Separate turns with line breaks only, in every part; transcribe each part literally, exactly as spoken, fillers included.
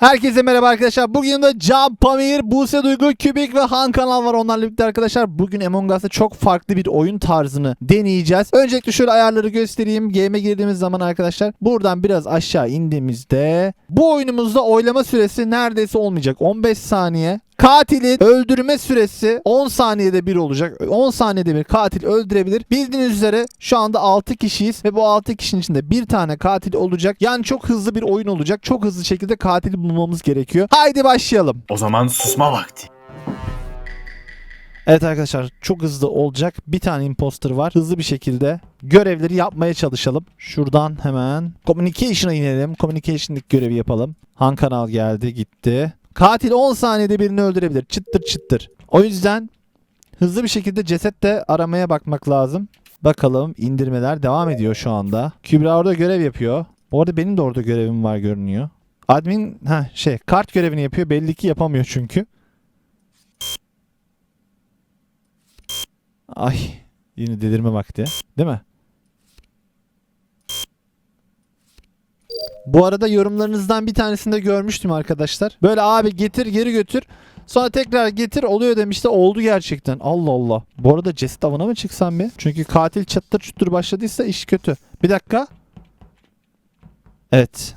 Herkese merhaba arkadaşlar. Bugün de Can, Pamir, Buse Duygu, Kübik ve Han kanal var. Onlarla birlikte arkadaşlar bugün Among Us'ta çok farklı bir oyun tarzını deneyeceğiz. Öncelikle şöyle ayarları göstereyim. Game'e girdiğimiz zaman arkadaşlar buradan biraz aşağı indiğimizde bu oyunumuzda oylama süresi neredeyse olmayacak. on beş saniye. Katilin öldürme süresi on saniyede bir olacak. on saniyede bir katil öldürebilir. Bildiğiniz üzere şu anda altı kişiyiz ve bu altı kişinin içinde bir tane katil olacak. Yani çok hızlı bir oyun olacak. Çok hızlı şekilde katili bulmamız gerekiyor. Haydi başlayalım.
O zaman susma vakti.
Evet arkadaşlar, çok hızlı olacak. Bir tane imposter var. Hızlı bir şekilde görevleri yapmaya çalışalım. Şuradan hemen Communication'a inelim. Communication'daki görevi yapalım. Han kanal geldi gitti. Katil on saniyede birini öldürebilir. Çıttır çıttır. O yüzden hızlı bir şekilde ceset de aramaya bakmak lazım. Bakalım, indirmeler devam ediyor şu anda. Kübra orada görev yapıyor. Bu arada benim de orada görevim var görünüyor. Admin ha şey kart görevini yapıyor. Belli ki yapamıyor çünkü. Ay, yine delirme vakti. Değil mi? Bu arada yorumlarınızdan bir tanesini de görmüştüm arkadaşlar. Böyle abi getir geri götür. Sonra tekrar getir oluyor demişti. Oldu gerçekten. Allah Allah. Bu arada ceset avına mı çıksam bir? Çünkü katil çattır çuttur başladıysa iş kötü. Bir dakika. Evet.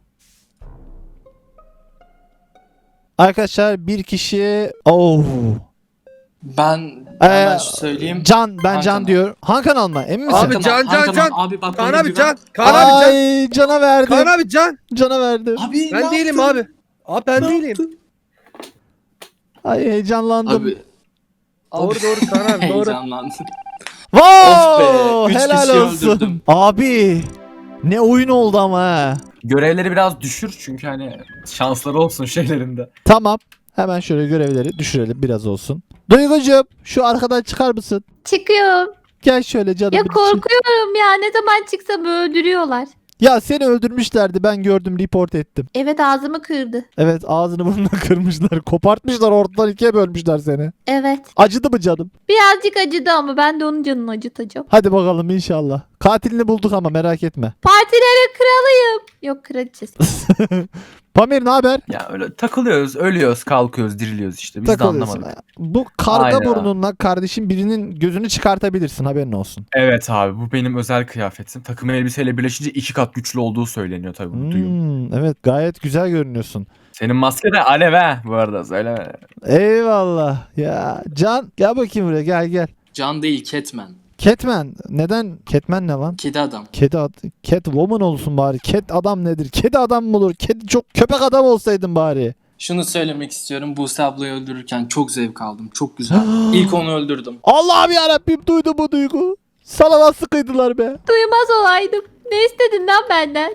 Arkadaşlar bir kişi... Oh.
Ben
Ee,
hemen söyleyeyim.
Can, ben
Han
Can
kanal.
diyor. Han kanal mı? Emin misin?
Abi
Han
Can,
kanal, Han
Can,
kanal.
Can.
Abi bak
Kaan
bana
abi
güven.
Can. Kaan abi Can.
Ay, Can'a verdim.
Kaan abi Can.
Can'a verdim.
Abi
Ben
ne
değilim
yaptın?
abi. Abi ben
Ne
değilim.
yaptın?
Ay, heyecanlandım.
Abi.
Doğru
Abi.
doğru Kaan abi doğru.
Heyecanlandım.
Wow!
Of be, üç
Helal
kişi
olsun.
öldürdüm.
Abi ne oyun oldu ama ha.
Görevleri biraz düşür çünkü hani şansları olsun şeylerinde.
Tamam. Hemen şöyle görevleri düşürelim biraz olsun. Duygucuğum şu arkadan çıkar mısın?
Çıkıyorum.
Gel şöyle canım.
Ya
bir-
korkuyorum ya. Ne zaman çıksam öldürüyorlar.
Ya seni öldürmüşlerdi, ben gördüm, report ettim.
Evet, ağzımı kırdı.
Evet, ağzını burnunu kırmışlar. Kopartmışlar, ortadan ikiye bölmüşler seni.
Evet.
Acıdı mı canım?
Birazcık acıdı ama ben de onun canını acıtacağım.
Hadi bakalım inşallah. Katilini bulduk ama merak etme.
Partilerin kralıyım. Yok, kraliçesi.
Pamir ne haber?
Ya öyle takılıyoruz, ölüyoruz, kalkıyoruz, diriliyoruz işte. Biz de
Takılıyorsun.
anlamadık.
Bu karga
Aynen.
burnunla kardeşim birinin gözünü çıkartabilirsin, haberin olsun.
Evet abi, bu benim özel kıyafetim. Takım elbiseyle birleşince iki kat güçlü olduğu söyleniyor tabii bu duyum.
Hmm, evet, gayet güzel görünüyorsun.
Senin maske de alev ha bu arada, söyleme.
Eyvallah. Ya Can gel bakayım buraya, gel gel.
Can değil Catman.
Catman. Neden? Catman ne lan?
Kedi adam.
Kedi ad Catwoman olsun bari. Cat adam nedir? Kedi adam mı olur? Kedi çok köpek adam olsaydın bari.
Şunu söylemek istiyorum. Buse ablayı öldürürken çok zevk aldım. Çok güzel. İlk onu öldürdüm.
Allah'ım yarabbim, duydu bu duygu. Sana nasıl kıydılar be?
Duymaz olaydım. Ne istedin lan benden?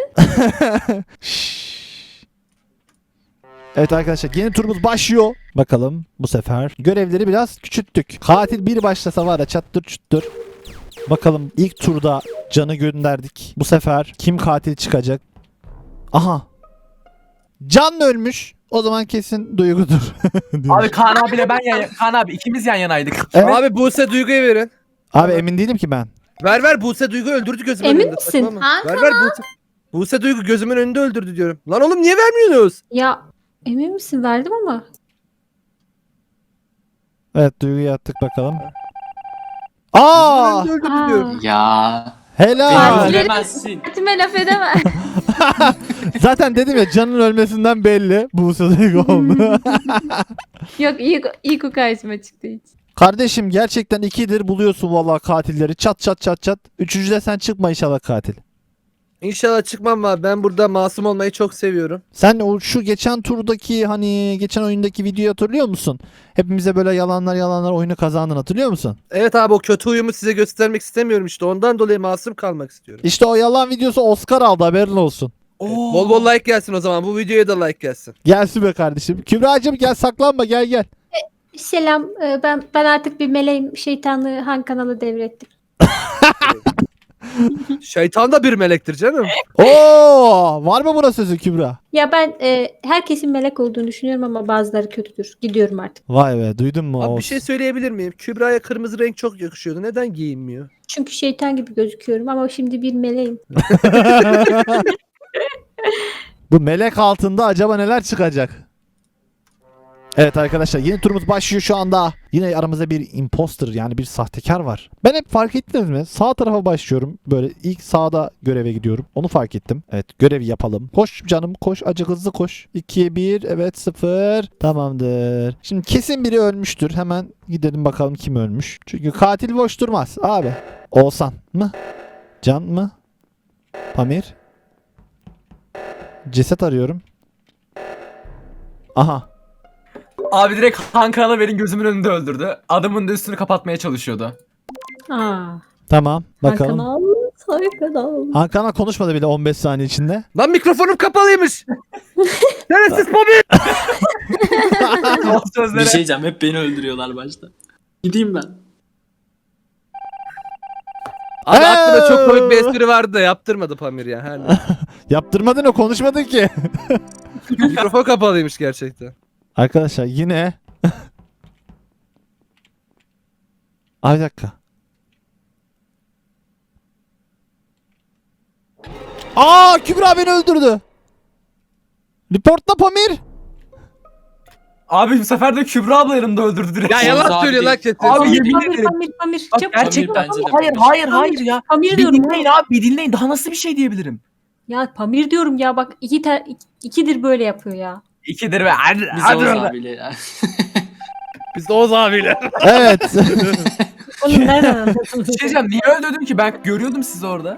Şşş. Evet arkadaşlar, yeni turumuz başlıyor. Bakalım bu sefer görevleri biraz küçülttük. Katil bir başlasa var ya çattır çuttur. Bakalım ilk turda Can'ı gönderdik. Bu sefer kim katil çıkacak? Aha. Can ölmüş. O zaman kesin Duygu'dur.
Abi Kaan abiyle ben yan Kaan abi ikimiz yan yanaydık.
Evet.
Abi Buse Duygu'ya verin.
Abi emin değilim ki ben.
Ver ver Buse Duygu öldürdü gözümün
Emin
önünde.
misin?
Saçmalama.
Ha?
Ver ver Buse. Buse Duygu gözümün önünde öldürdü diyorum. Lan oğlum niye vermiyorsunuz?
Ya emin misin? Verdim ama.
Evet, Duygu'yu attık bakalım.
Gözümün
Aa!
önünde öldürdü
Aa.
diyorum.
Ya.
Helal.
Beni
Partileri-
öldüremezsin.
Partime laf edemem.
Zaten dedim ya, Can'ın ölmesinden belli. Bu Duygu oldu.
Yok, ilk, ilk o karşıma çıktı hiç.
Kardeşim gerçekten ikidir buluyorsun vallahi katilleri. Çat çat çat çat. Üçüncüde sen çıkma inşallah katil.
İnşallah çıkmam abi. Ben burada masum olmayı çok seviyorum.
Sen o şu geçen turdaki, hani geçen oyundaki videoyu hatırlıyor musun? Hepimize böyle yalanlar yalanlar oyunu kazandın, hatırlıyor musun?
Evet abi, o kötü huyumu size göstermek istemiyorum işte. Ondan dolayı masum kalmak istiyorum.
İşte o yalan videosu Oscar aldı, haberin olsun.
Oo.
Bol bol like gelsin o zaman. Bu videoya da like gelsin.
Gelsin be kardeşim. Kübra'cığım gel, saklanma, gel gel.
Selam. e, Ben ben artık bir meleğim. Şeytanlığı Han kanalı devrettim.
Şeytan da bir melektir canım.
Oo, var mı buna sözü Kübra?
Ya ben e, herkesin melek olduğunu düşünüyorum ama bazıları kötüdür. Gidiyorum artık.
Vay be, duydun mu?
Abi
O-
bir şey söyleyebilir miyim? Kübra'ya kırmızı renk çok yakışıyordu. Neden giyinmiyor?
Çünkü şeytan gibi gözüküyorum ama şimdi bir meleğim.
Bu melek altında acaba neler çıkacak? Evet arkadaşlar yeni turumuz başlıyor şu anda. Yine aramızda bir imposter yani bir sahtekar var. Ben hep fark ettiniz mi? Sağ tarafa başlıyorum. Böyle ilk sağda göreve gidiyorum. Onu fark ettim. Evet görevi yapalım. Koş canım koş. Acı hızlı koş. ikiye bir evet sıfır. Tamamdır. Şimdi kesin biri ölmüştür. Hemen gidelim bakalım kim ölmüş. Çünkü katil boş durmaz abi. Oğuzhan mı? Can mı? Pamir? Ceset arıyorum. Aha.
Abi direkt Han Kanal'ı benim gözümün önünde öldürdü. Adamın da üstünü kapatmaya çalışıyordu.
Aa.
Tamam bakalım.
Kanal, kanal.
Hakan'a konuşmadı bile on beş saniye içinde.
Lan mikrofonum kapalıymış. Neresiz Pamir?
O
Bir
sözlere.
şey diyeceğim, hep beni öldürüyorlar başta. Gideyim ben.
Abi aklımda çok komik bir espri vardı da yaptırmadı Pamir ya. Her neyse.
Yaptırmadın o konuşmadın ki.
Mikrofon kapalıymış gerçekten.
Arkadaşlar yine. Ay bir dakika. Aa Kübra beni öldürdü. Reportla Pamir.
Abi bu sefer de Kübra abla yanımda öldürdü direkt.
Ya
Oğuz
yalan
abi
söylüyor lan
değil.
kesin.
Abi
Pamir,
yemin
Pamir,
ederim.
Pamir, Pamir.
Bak,
Çabuk.
gerçekten
Pamir bence de
hayır
Pamir.
hayır hayır ya.
Pamir
Bir
diyorum
dinleyin
ya.
abi bir dinleyin. Daha nasıl bir şey diyebilirim?
Ya Pamir diyorum ya bak iki ter, ik- ikidir böyle yapıyor ya.
İkidir ve hadi
Biz
hadi
Oğuz
orada.
abiyle ya.
Biz de Oğuz abiyle.
Evet.
Oğlum nereden anladın?
Bir şey diyeceğim niye öldürdüm ki ben görüyordum sizi orada.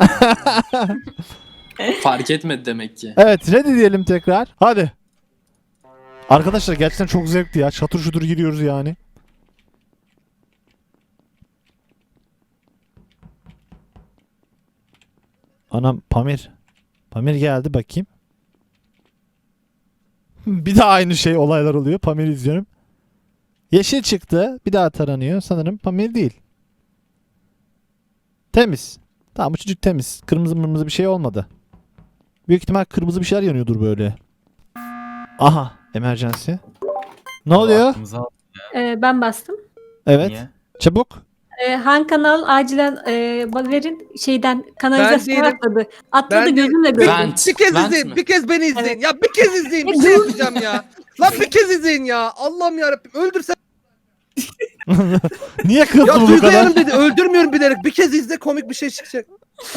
Fark etmedi demek ki.
Evet ready diyelim tekrar. Hadi. Arkadaşlar gerçekten çok zevkli ya. Çatır şutur giriyoruz yani. Anam Pamir. Pamir geldi bakayım. Bir daha aynı şey olaylar oluyor. Pamir izliyorum. Yeşil çıktı. Bir daha taranıyor. Sanırım Pamir değil. Temiz. Tamam bu çocuk temiz. Kırmızı mırmızı bir şey olmadı. Büyük ihtimal kırmızı bir şeyler yanıyordur böyle. Aha. Emergency. Ne oluyor?
Aklımıza al.
Ee, ben bastım.
Evet.
Niye?
Çabuk.
Ee, Han Kanal acilen e, verin şeyden kanalizasyona
değilim.
atladı. Atladı
Ben
gözümle
Bir,
gördüm.
Vent.
bir kez
Vent
izleyin.
mi?
Bir kez beni izleyin.
Evet.
Ya bir kez izleyin. Bir şey yapacağım ya. Lan bir kez izleyin ya. Allah'ım yarabbim. Öldürsen.
Niye kızdın
Ya
bu
Duygu
kadar?
Hanım dedi. Öldürmüyorum bilerek. Bir kez izle komik bir şey çıkacak.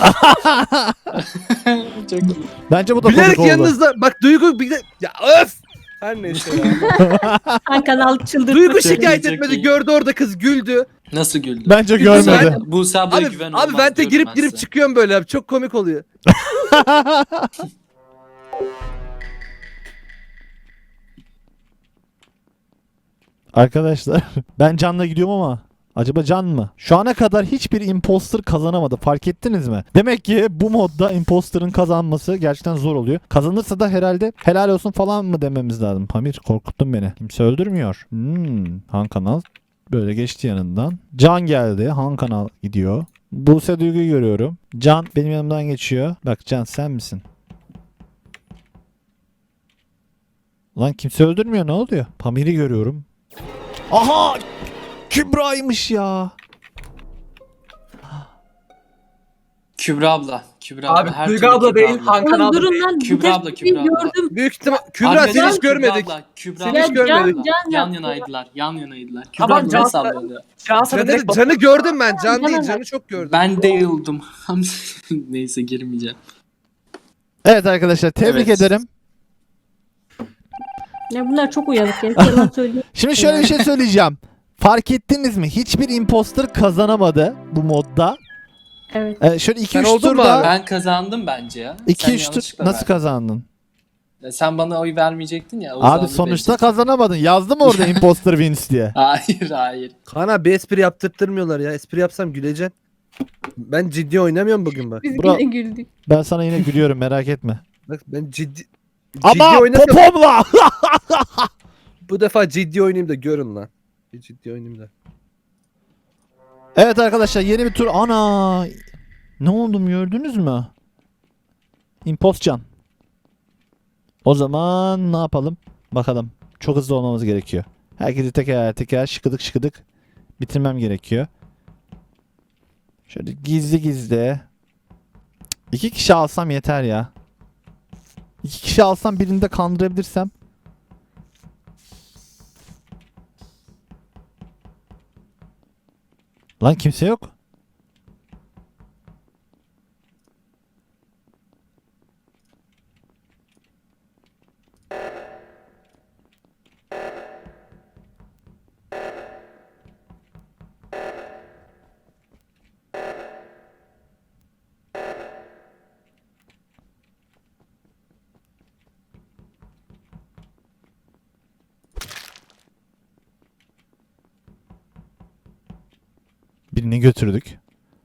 Çok iyi.
Bence bu da
Bilerek
komik oldu.
yanınızda. Bak Duygu bir de. Ya öf. Her neyse ya.
Han Kanal çıldırdı.
Duygu şikayet
Çok
etmedi.
iyi.
Gördü orada kız güldü.
Nasıl güldü?
Bence
Buse-
görmedi.
Buse ablaya
Abi,
güven
abi
olmaz
vente
diyorum
girip
ben
girip
size.
çıkıyorum böyle abi. Çok komik oluyor.
Arkadaşlar ben Can'la gidiyorum ama acaba Can mı? Şu ana kadar hiçbir imposter kazanamadı. Fark ettiniz mi? Demek ki bu modda imposter'ın kazanması gerçekten zor oluyor. Kazanırsa da herhalde helal olsun falan mı dememiz lazım. Pamir korkuttun beni. Kimse öldürmüyor. Hmm, Han Kanal böyle geçti yanından. Can geldi. Han Kanal gidiyor. Buse Duygu'yu görüyorum. Can benim yanımdan geçiyor. Bak Can sen misin? Lan kimse öldürmüyor ne oluyor? Pamir'i görüyorum. Aha! Kübra'ymış ya.
Kübra abla. Kübra
Abi,
abla. Her
Duygu
türlü
abla
Kübra
değil,
abla.
Han Kanal
Oğlum
da
durun
değil.
lan.
Kübra
Kübra
abla, Kübra abla.
gördüm.
Büyük ihtimal. Kübra
Arkadaşlar,
seni hiç görmedik.
Kübra abla, Kübra
Seni
abla.
hiç görmedik.
Can, Can
Yan
yaptı.
yanaydılar. Yan yanaydılar. Kübra
Tamam,
abla
Can-
nasıl sallıyor?
Can sana
Canı,
direkt
canı gördüm ben. Can değil.
Bana
Canı
bak.
çok gördüm.
Ben değildim. Neyse girmeyeceğim.
Evet arkadaşlar tebrik
Evet.
ederim.
Ya bunlar çok uyanık ya. Yalan söylüyor.
Şimdi şöyle bir şey söyleyeceğim. Fark ettiniz mi? Hiçbir imposter kazanamadı bu modda.
Evet.
Ee, şöyle iki
Sen
üç
oldun mu
turda
abi?
Ben kazandım bence ya.
iki
Sen
üç tur
yanlışlıkla
nasıl
verdin.
kazandın?
Ya sen bana oy vermeyecektin ya. Oğuz
Abi
abi
sonuçta
verecektin.
kazanamadın. Yazdım orada imposter wins diye.
Hayır hayır.
Kaan abi bir espri yaptırtmıyorlar ya. Espri yapsam güleceksin. Ben ciddi oynamıyorum bugün bak.
Biz
Bura-
yine güldük.
Ben sana yine gülüyorum merak etme.
Bak ben ciddi...
Ama
ciddi oynasam
popomla.
bu defa ciddi oynayayım da görün lan. Bir ciddi oynayayım da.
Evet arkadaşlar yeni bir tur. Ana. Ne oldum gördünüz mü? Impostcan. O zaman ne yapalım? Bakalım. Çok hızlı olmamız gerekiyor. Herkesi teker teker şıkıdık şıkıdık bitirmem gerekiyor. Şöyle gizli gizli. İki kişi alsam yeter ya. İki kişi alsam birini de kandırabilirsem. Lan kimse yok. Birini götürdük.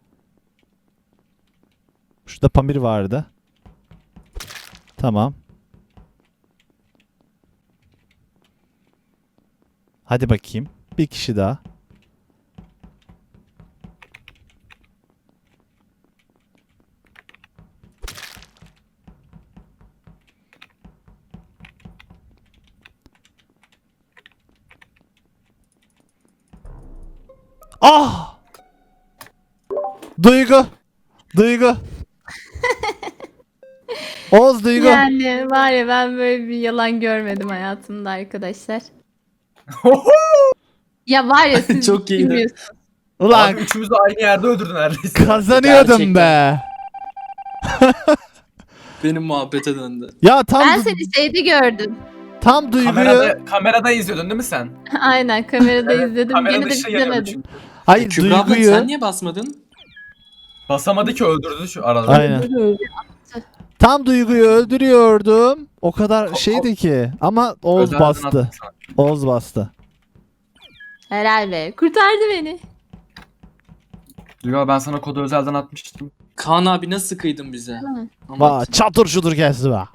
Şurada Pamir vardı. Tamam. Hadi bakayım. Bir kişi daha. Ah! Duygu. Duygu. Oğuz Duygu.
Yani var ya ben böyle bir yalan görmedim hayatımda arkadaşlar. Ya var ya siz
Çok iyiydi.
bilmiyorsunuz.
Ulan
Abi üçümüz de aynı yerde öldürdün neredeyse.
kazanıyordum
Gerçekten.
be.
Benim muhabbete döndü.
Ya tam
Ben
du-
seni şeyde gördüm.
tam Duygu'yu
Kamerada, kamerada izliyordun değil mi sen?
Aynen kamerada izledim.
Kamera
Gene de
dışı yanıyordu
izlemedim.
çünkü.
hayır
Kübra abla
Duygu'yu
sen niye basmadın?
Basamadı ki öldürdü şu arada.
aynen. Tam Duygu'yu öldürüyordum. O kadar
Ko-
şeydi ki ama Oğuz
Özelden
bastı.
attım sana.
Oğuz bastı.
Helal be. Kurtardı beni.
Duygu ben sana kodu özelden atmıştım.
Kaan abi nasıl kıydın bize?
Hı.
Va
Anlat.
çatır şudur gelsin be.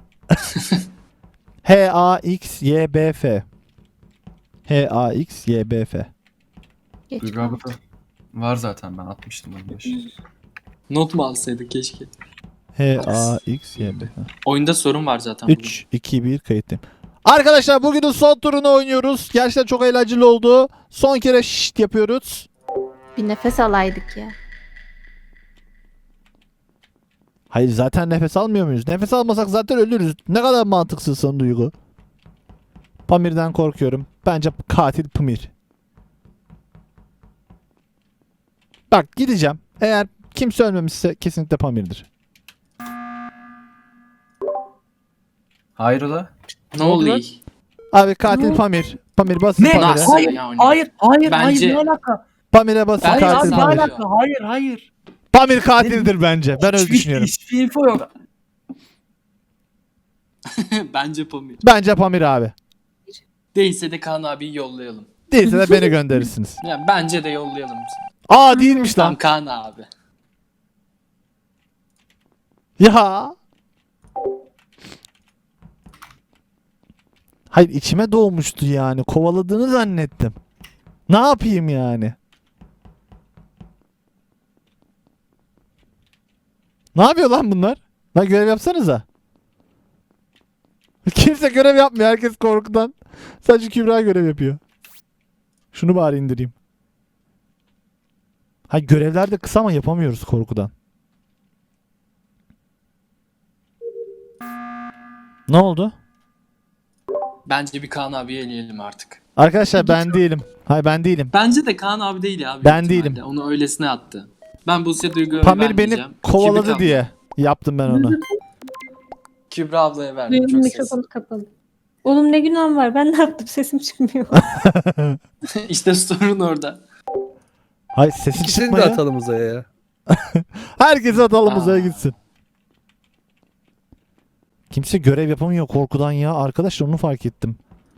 H A X Y B F. H A X Y B F.
Geç
Duygu abi da var zaten ben atmıştım onu. yaş.
Not mu alsaydık keşke?
H A X Y B F.
Oyunda sorun var zaten. bugün.
üç iki bir kayıttayım. Arkadaşlar bugünün son turunu oynuyoruz. Gerçekten çok eğlenceli oldu. Son kere şşt yapıyoruz.
Bir nefes alaydık ya.
Hayır zaten nefes almıyor muyuz? Nefes almasak zaten ölürüz. Ne kadar mantıksızsın Duygu. Pamir'den korkuyorum. Bence katil Pamir. Bak gideceğim. Eğer kimse ölmemişse kesinlikle Pamir'dir.
Hayrola?
Ne oluyor?
Abi katil Pamir. Pamir basın
Ne?
Pamir'e.
Nasıl
Hayır,
yani?
hayır, hayır,
Bence-
hayır, ne alaka?
Pamir'e basın
Hayır
katil
abi,
Ne
Pamir.
hayır.
alaka? Hayır, hayır.
Pamir katildir bence. Ben öyle
Hiçbir-
düşünüyorum.
Hiçbir info yok.
Bence Pamir.
Bence Pamir abi.
Değilse de Kaan abiyi yollayalım.
Değilse de beni gönderirsiniz.
Ya bence de yollayalım.
Aa değilmiş
Tamam
lan.
Kaan abi.
Ya. Hayır içime doğmuştu yani. Kovaladığını zannettim. Ne yapayım yani? Ne yapıyor lan bunlar? Lan görev yapsanıza. Kimse görev yapmıyor. Herkes korkudan. Sadece Kübra görev yapıyor. Şunu bari indireyim. Hayır görevler de kısa ama yapamıyoruz korkudan. Ne oldu?
Bence bir Kaan abiyi eleyelim artık.
Arkadaşlar ben değilim. Hayır ben değilim.
Bence de Kaan abi değil ya. büyük
Ben
ihtimalle.
değilim.
Onu öylesine attı. Ben Buse Duygu'ya
Pamir
vermeyeceğim.
beni kovaladı
Kübra-
diye yaptım ben onu.
Kübra ablaya verdim.
Duygu'nun
Çok ses.
mikrofonu kapalı. Oğlum ne günahım var? Ben ne yaptım? Sesim çıkmıyor.
İşte sorun orada.
Hayır sesi
İkisini de
çıkmıyor.
atalım uzaya ya.
Herkesi atalım
Aa.
uzaya gitsin. Kimse görev yapamıyor korkudan ya. Arkadaşlar onu fark ettim.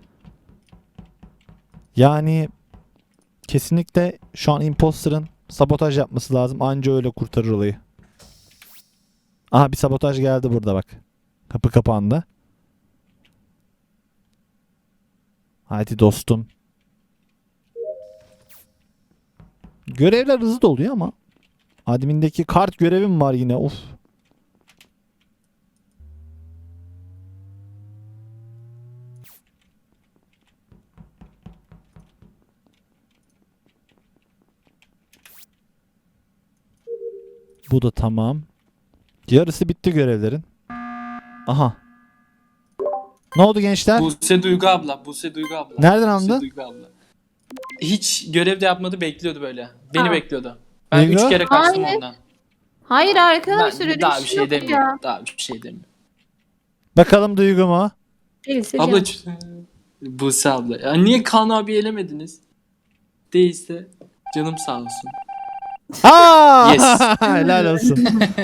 Yani kesinlikle şu an imposter'ın sabotaj yapması lazım. Anca öyle kurtarır olayı. Aha bir sabotaj geldi burada bak. Kapı kapandı. Hadi dostum. Görevler hızlı doluyor ama admindeki kart görevim var yine. Of. Bu da tamam. Yarısı bitti görevlerin. Aha. Ne oldu gençler?
Buse Duygu abla. Buse Duygu abla.
Nereden
Buse
anladın?
Duygu abla. Hiç görev de yapmadı, bekliyordu böyle. Beni
Ha.
bekliyordu. Ben
Duygu?
üç kere kaçtım
Hayır.
ondan.
Hayır arkadaşlar
Ben
öyle
daha
bir
bir
şey
şey
yok
demiyorum.
ya.
Daha bir şey demiyorum.
Bakalım Duygu mu?
Değilse
Abla
canım.
ç- Buse abla. Ya niye Kaan abi elemediniz? Değilse canım sağ olsun.
Aa!
Yes.
Helal olsun.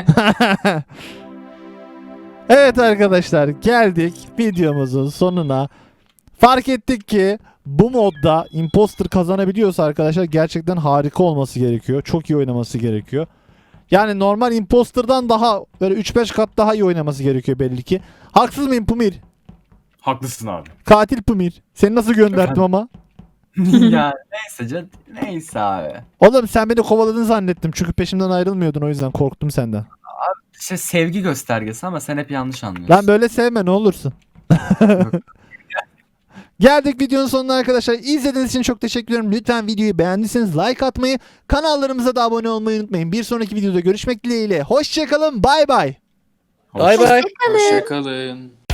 Evet arkadaşlar, geldik videomuzun sonuna. Fark ettik ki bu modda imposter kazanabiliyorsa arkadaşlar gerçekten harika olması gerekiyor. Çok iyi oynaması gerekiyor. Yani normal imposter'dan daha böyle üç beş kat daha iyi oynaması gerekiyor belli ki. Haksız mıyım Pumir?
Haklısın abi.
Katil Pumir. Seni nasıl gönderdim ama?
ya neyse can, neyse abi.
Oğlum sen beni kovaladın zannettim. Çünkü peşimden ayrılmıyordun, o yüzden korktum senden.
İşte sevgi göstergesi ama sen hep yanlış anlıyorsun.
Lan böyle sevme ne olursun. Geldik videonun sonuna arkadaşlar. İzlediğiniz için çok teşekkür ederim. Lütfen videoyu beğendiyseniz like atmayı, kanallarımıza da abone olmayı unutmayın. Bir sonraki videoda görüşmek dileğiyle. Hoşçakalın. Bay bay.
Bay bay.
Hoşçakalın.